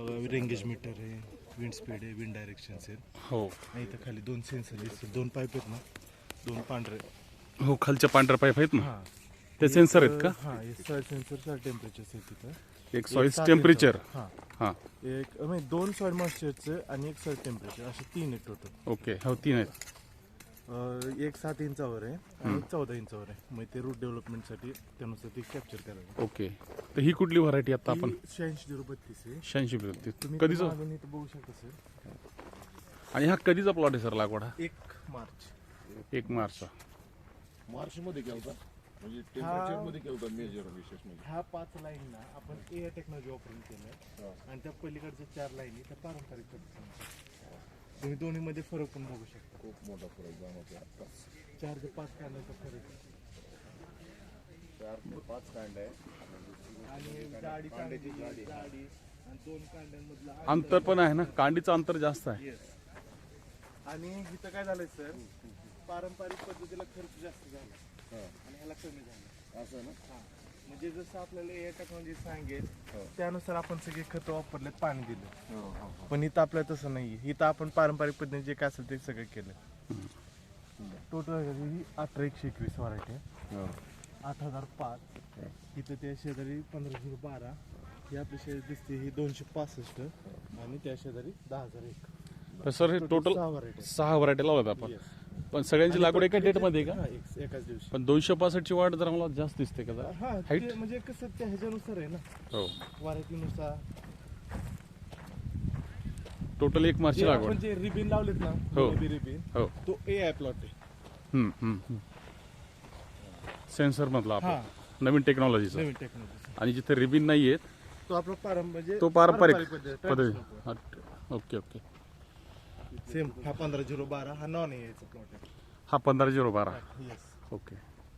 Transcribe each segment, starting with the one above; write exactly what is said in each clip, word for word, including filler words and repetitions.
बघा rain gauge meter आहे, wind speed आहे, विंड डायरेक्शन आहे. हो आणि इथं खाली दोन सेन्सर दिसतील, दोन पाईप आहेत ना, दोन पांढरे. हो खालच्या पांढऱ्या पाईप आहेत ना, हां ते सेन्सर आहेत का? हां हे सॉइल सेन्सर सॉइल टेम्परेचर आहे तिथं. एक सॉइल सात टेम्परेचर. इंचावर. हां हां एक म्हणजे दोन सॉइल मॉइश्चरचं आणि एक सॉइल टेम्परेचर असे तीन आहेत टोटल. ओके हो तीन आहेत. एक सात इंचावर आहे आणि एक चौदा इंचावर आहे. मग ते रूट डेव्हलपमेंटसाठी त्यानुसार ते कॅप्चर करायचं. ओके तर ही कुठली व्हरायटी आता आपण? शहाऐंशी झिरो बत्तीस आहे. शहाऐंशी बत्तीस तुम्ही कधीचा? मागून इथं बघू शकता सर. आणि हा कधीचा प्लॉट आहे सर लागवड? हा एक मार्च एक मार्चचा. मार्च मध्ये केलता म्हणजे टेम्परेचर मध्ये केलता मेजर विशेष म्हणजे. ह्या पाच लाईन ना आपण ए टेक्नॉलॉजी वापरून केलं आणि त्या पलीकडच्या चार लाईनी त्या पारंपरिक पद्धतीने. तुम्ही दोन्ही मध्ये फरक पण बघू शकता. खूप मोठा फरक जाणवतो आत्ताच. चार ते पाच कांड्याचा फरक आहे. चार ते पाच कांड आहे आणि जाडी कांड्याची जाडी जाडी आणि दोन कांड्यांमधला अंतर पण आहे ना, कांडीचं अंतर जास्त आहे. येस. आणि इथं काय झालंय सर, पारंपरिक पद्धतीला खर्च जास्त झाला आणि ह्याला कमी झाला. असं ना. हा म्हणजे जसं आपल्याला ए टेक्नॉलॉजी सांगेल त्यानुसार आपण सगळे खत वापरलेत, पाणी दिलं. पण इथं आपल्याला तसं नाही. इथं आपण पारंपरिक पद्धतीने जे काय असेल ते सगळं केलं. टोटल ही अठरा एकशे एकवीस व्हरायटी आहे. आठ हजार पाच इथं त्या शेजारी पंधरा झिरो बारा ही आपली शेजारी दिसते, ही दोनशे पासष्ट आणि त्या शेजारी दहा हजार एक. तर सर हे टोटल सहा व्हरायटी. सहा व्हरायटी लावल्यात आपण. पण सगळ्यांची लागवड एका डेट मध्ये का? हा, एक- एकाच दिवशी. पण दोनशे पासष्ट ची वाढ जरा मला जास्त दिसते का जरा? हा Height? ते म्हणजे कसं त्या ह्याच्यानुसार आहे ना, हो व्हरायटीनुसार. टोटल एक मार्चची जे लागवड. आपण जे रिबिन लावलेत ना, हो. रिबिन हो तो ए आय प्लॉट आहे. हम्म हम्म सेन्सर मधला हा आपण नवीन टेक्नॉलॉजीचा. नवीन टेक्नॉलॉजी. आणि जिथे रिबिन नाही आहेत तो आपला पारंपरिक म्हणजे तो पारंपरिक पद्धत, पद्धती. traditional हा, ओके ओके. plot. सेम हा पंधरा झिरो बारा हा नॉन एआयचा प्लॉट आहे. हा पंधरा झिरो बारा. येस. ओके.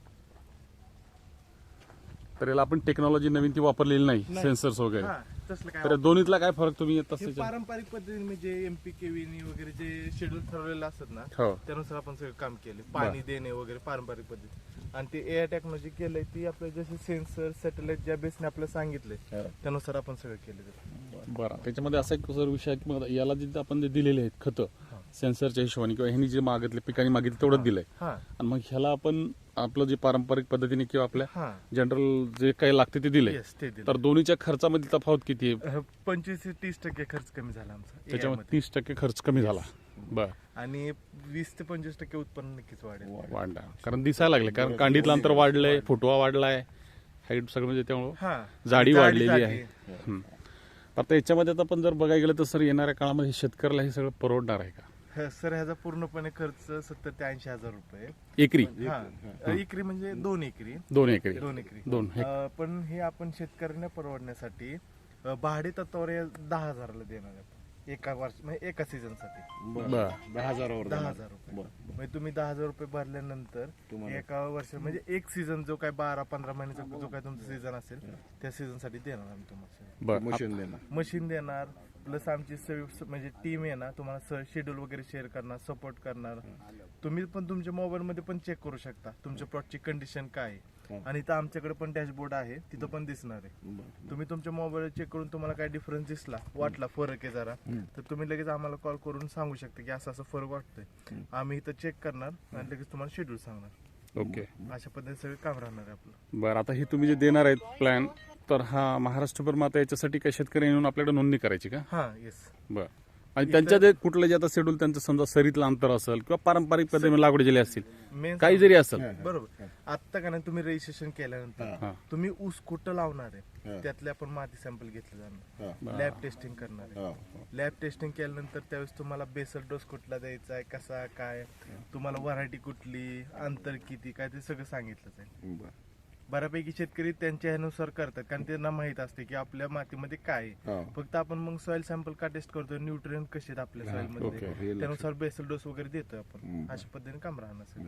तर याला आपण टेक्नॉलॉजी नवीन ती वापरलेली नाही, नाही. सेन्सर्स वगैरे. हा तसलं काय तर या दोन्हीतला काय फरक तुम्ही येत हे असते? पारंपरिक पद्धतीने म्हणजे एमपी केवीनी वगैरे जे शेड्यूल ठरवलेलं असतात ना, हो त्यानुसार आपण सगळं काम केले. पाणी देणे वगैरे पारंपरिक पद्धती. आणि ते ए आय टेक्नॉलॉजी केलंय ती आपल्या जसे सेन्सर सॅटेलाइट ज्या बेसने आपल्याला सांगितलंय त्यानुसार आपण सगळं केलं. बरं. त्याच्यामध्ये असा एक सर विषय आहे की मग याला जे आपण जे दिलेले आहेत खतं सेन्सरच्या हिशोबाने किंवा ह्यांनी जे मागितले पिकांनी मागितले तेवढंच दिलंय. हा आणि मग ह्याला आपण आपलं जे पारंपरिक पद्धतीने किंवा आपल्या हा जनरल जे काही लागते ते दिले. येस ते दिलं. तर दोन्हीच्या खर्चामध्ये तफावत किती आहे? पंचवीस ते तीस टक्के खर्च कमी झाला आमचा A I त्याच्यामध्ये मध्ये. तीस टक्के खर्च कमी झाला. बर आणि वीस ते पंचवीस टक्के उत्पन्न नक्कीच वाढेल. वाढला कारण दिसायला लागले कारण कांडीतलं अंतर वाढलंय, फुटवा वाढलाय, हाईट सगळं म्हणजे त्यामुळं हा जाडी वाढलेली जाडी आहे. हम्म. आता याच्यामध्ये आता आपण जर बघायला गेलं तर सर येणाऱ्या काळामध्ये शेतकऱ्याला हे सगळं परवडणार आहे का? ह, सर ह्याचा पूर्णपणे खर्च सत्तर ते ऐंशी हजार रुपये. एकरी हा एकरी म्हणजे दोन एकरी दोन एकरी दोन एकरी दोन हे- अं, पण हे आपण शेतकऱ्यांना परवडण्यासाठी अं, भाडे तत्वावर हे दहा हजाराला देणार आहे आपण. एका वर्ष म्हणजे एका सीझन साठी बर दहा हजारावर दहा देणार. हजार रुपये. बरं. म्हणजे तुम्ही दहा हजार रुपये भरल्यानंतर तुम्हाला- एका वर्ष म्हणजे एक सीझन जो काय बारा पंधरा महिन्याचा जो काय तुमचा सीझन असेल त्या सीझन साठी देणार आम्ही तुम्हाला. बर मशीन देणार. मशीन देणार प्लस आमची सगळी म्हणजे टीम आहे ना तुम्हाला शेड्यूल वगैरे शेअर करणार, सपोर्ट करणार. तुम्ही पण तुमच्या मोबाईल मध्ये पण चेक करू शकता तुमच्या प्लॉटची कंडिशन काय आहे. आणि इथं आमच्याकडे पण डॅशबोर्ड आहे, तिथं पण दिसणार आहे. बरं. तुम्ही तुमच्या मोबाईल चेक करून तुम्हाला काय डिफरन्स दिसला, वाटला फरक आहे जरा, तर तुम्ही लगेच आम्हाला कॉल करून सांगू शकता की असं असं फरक वाटतोय. आम्ही इथं चेक करणार आणि लगेच तुम्हाला शेड्यूल सांगणार. ओके. अशा पद्धतीने सगळं काम राहणार आहे आपलं. बरं आता हे तुम्ही जे देणार आहेत प्लॅन तर हा महाराष्ट्रभर माता याच्यासाठी काही शेतकरी येऊन आपल्याकडे नोंदणी करायची का? हा येस. बर. आणि त्यांच्या जे कुठलं जे आता शेड्यूल त्यांचं समजा सरीतलं अंतर असेल किंवा पारंपरिक पद्धतीने लागवड झाली असतील मेन काही जरी असेल बरोबर. आता का नाही तुम्ही रजिस्ट्रेशन केल्यानंतर हा. तुम्ही ऊस कुठं लावणार हा. आहे त्यातले आपण माती सॅम्पल घेतले जाणार, हा. लॅब टेस्टिंग करणार आहे. हा. लॅब टेस्टिंग केल्यानंतर त्यावेळेस तुम्हाला बेसल डोस कुठला द्यायचा आहे, कसा काय, तुम्हाला व्हरायटी कुठली, अंतर किती काय ते सगळं सांगितलं जाईल. बरं. बऱ्यापैकी शेतकरी त्यांच्या ह्यानुसार करतात कारण त्यांना माहित असते की आपल्या मातीमध्ये काय आहे. हा. फक्त आपण मग सॉइल सॅम्पल का टेस्ट करतोय, न्यूट्रिएंट कसे आहेत आपल्या सॉइल ओके. मध्ये, हे लक्षात. त्यानुसार बेसल डोस वगैरे देतोय आपण. हम्म. अशा पद्धतीने काम राहणार सगळं.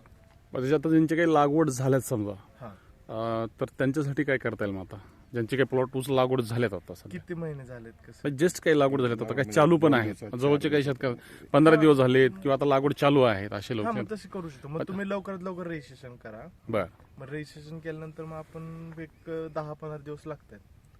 मग त्याच्यात आता ज्यांची काही लागवड झाल्यात समजा हा अं, तर त्यांच्यासाठी काय करता येईल मग आता ज्यांची काही प्लॉट ऊस लागवड झाल्यात आता सध्या किती महिने झालेत कसं? जस्ट काही लागवड झाल्यात आता काही चालू पण आहेत जवळचे काही शेतकरी पंधरा दिवस झालेत किंवा आता लागवड चालू आहेत असे हा लोक मग तशी करू शकतो. मग तुम्ही लवकरात लवकर रजिस्ट्रेशन करा. बर मग रजिस्ट्रेशन केल्यानंतर मग आपण एक दहा पंधरा दिवस लागतात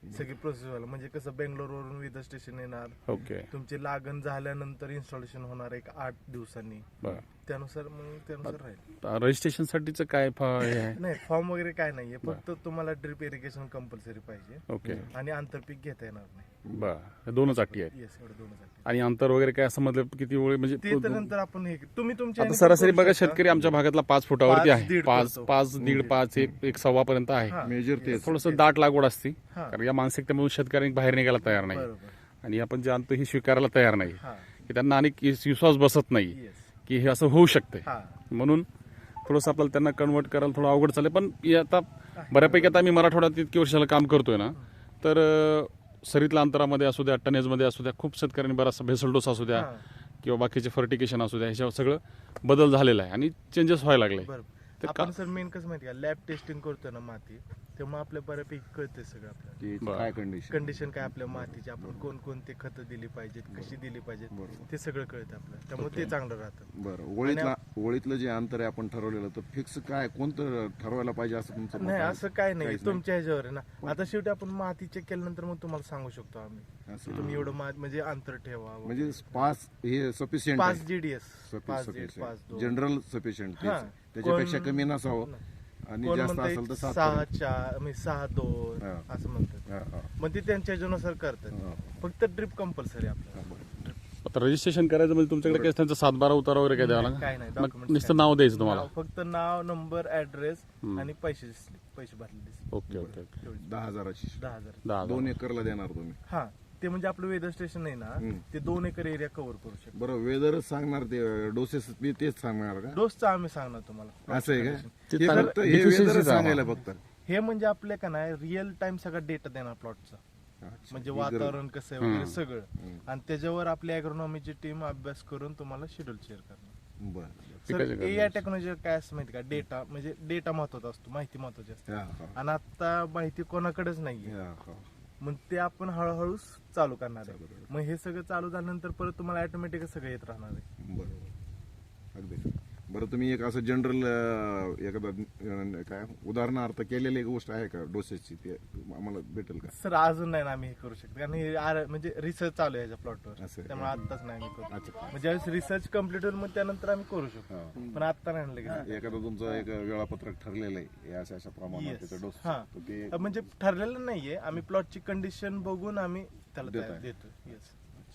सगळी प्रोसेस व्हायला म्हणजे कसं बेंगलोरवरून विदर स्टेशन येणार ओके तुमची लागण झाल्यानंतर इन्स्टॉलेशन होणार एक आठ दिवसांनी बरं त्यानुसार मग त्यानुसार राहील रजिस्ट्रेशन साठीचं काय फ- हे आहे नाही फॉर्म वगैरे काय नाहीये फक्त तुम्हाला ड्रिप इरिगेशन कंपल्सरी पाहिजे ओके आणि आंतरपीक घेता येणार नाही बरं हे दोनच अटी आहेत येस एवढं दोनच आहे. आणि अंतर वगैरे काय असं मतलब किती वेळ म्हणजे ते तर नंतर आपण हे तुम्ही तुमच्या आता ह्याने सरासरी करू बघा शकता. शेतकरी आमच्या भागातला पाच फुटावरती पाच, आहे दीड पाच करतो. पाच दीड पाच एक एक सव्वा पर्यंत आहे हा. मेजर ते थोडस दाट लागवड असती हा. कारण या मानसिकतेमधून शेतकऱ्यांनी बाहेर निघायला तयार नाही बरोबर आणि आपण जे आणतो हे स्वीकारायला तयार नाही हा की त्यांना आणि विश्वास बसत नाही येस की हे असं होऊ शकते हा म्हणून थोडंसं आपल्याला त्यांना कन्वर्ट करायला थोडं अवघड चालेल पण हे आता बऱ्यापैकी आता आम्ही मराठवाड्यात इतकी वर्षाला काम करतोय ना तर अं, सरीतल्या अंतरामध्ये असू द्या टनेजमध्ये असू द्या खूप शेतकऱ्यांनी बराचसा भेसळ डोस असू द्या हा. किंवा बाकीचे फर्टिकेशन असू द्या ह्याच्यावर सगळं बदल झालेला आहे आणि चेंजेस व्हायला लागले बरोबर ते आपण का- सर मेन कसं माहिती का लॅब टेस्टिंग करतो ना माती तेव्हा आपल्या बऱ्यापैकी कळते सगळं आपल्याला की बरं. काय कंडिशन कंडिशन काय आपल्या मातीची आपण कोणकोणते खतं दिली पाहिजेत कशी दिली पाहिजेत ते सगळं कळतं आपल्याला त्यामुळे ते चांगलं राहतं बरं ओळीतला ओळीतलं जे अंतर आहे आपण ठरवलेलं तर फिक्स काय कोणतं ठरवायला पाहिजे असं तुमचं मत नाही आहे? असं काय नाही काहीच तुमच्या ह्याच्यावर आहे ना आता शेवटी आपण माती चेक केल्यानंतर मग तुम्हाला सांगू शकतो आम्ही असं. की तुम्ही एवढं मा- म्हणजे अंतर ठेवा म्हणजे पाच हे सफिशियंट पाच जीडीएस पाच दीड पाच दोन जनरल सफिशियंट हा. त्याच्यापेक्षा कोण- कमी नसावं आणि कोण जास्त असेल तर म्हणतंय सात सहा पर्यंत. चार म्हणजे सहा दोन हा. असं म्हणतात हा, हा, मग ते त्यांच्या ह्याच्यानुसार करतात हा. फक्त ड्रिप कंपल्सरी आपल्याला हा, बरं. आता रजिस्ट्रेशन करायचं म्हणजे तुमच्याकडे काय त्यांचा सातबारा उतारा वगैरे काय द्यावा नाही, काय नाही, लागेल मग documents नुसतं काय नाव द्यायचं तुम्हाला नाव, फक्त नाव नंबर ऍड्रेस आणि पैसे slip, पैसे भरलेले slip. ओके ओके ओके एवढी. दहा हजाराची दहा हजार दहा हजार. दोन एकरला देणार तुम्ही हा ते म्हणजे आपलं वेदर स्टेशन आहे ना हम्म. ते दोन एकर एरिया कव्हर करू शकतो बरं वेदरच सांगणार ते डोसेस बी तेच सांगणार का डोसचा आम्ही सांगणार तुम्हाला असं आहे का ते हे तर फक्त हे deficiency weather च च आहे सांगायला फक्त हे म्हणजे आपल्या का नाही रिअल टाइम सगळा डेटा देणार प्लॉटचा अच्छा. म्हणजे ही गरज- वातावरण कसं आहे वगैरे सगळं आणि त्याच्यावर आपली अॅग्रोनॉमीची टीम अभ्यास करून तुम्हाला शेड्यूल शेअर करणार बरं सर पिकाच्या ए आय टेक्नॉलॉजी काय असं माहिती का डेटा म्हणजे डेटा महत्वाचा असतो माहिती महत्वाची असते हा, हा. आणि आता माहिती कोणाकडेच नाहीये हा, हा. मग ते आपण हळूहळू चालू करणार आहे मग हे सगळं चालू झाल्यानंतर परत तुम्हाला ऑटोमॅटिक सगळं येत राहणार आहे बरोबर अगदी बरं तुम्ही एक असं जनरल एखादा अं, काय उदाहरणार्थ केलेली एक गोष्ट आहे का डोसेसची ते आम्हाला भेटेल का सर अजून नाही ना आम्ही हे करू शकतो कारण हे आर- म्हणजे रिसर्च चालू आहे ह्याच्या प्लॉटवर असं आहे. त्यामुळे आताच नाही आम्ही करू अच्छा म्हणजे ज्यावेळेस रिसर्च कम्प्लीट होईल मग त्यानंतर आम्ही करू शकतो पण आता नाही लगेच एखादं तुमचं एक वेळापत्रक ठरलेलं आहे या अशा अशा प्रमाणात Yes. त्याचा डोस हा. तर ते म्हणजे ठरलेलं नाहीये आम्ही प्लॉटची कंडिशन बघून आम्ही त्याला देताय. तयार- देतो येस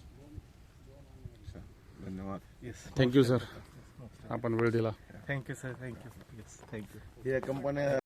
अच्छा. धन्यवाद येस थँक्यू सर आपण वेळ दिला thank you sir thank you yes thank you या कंपन्या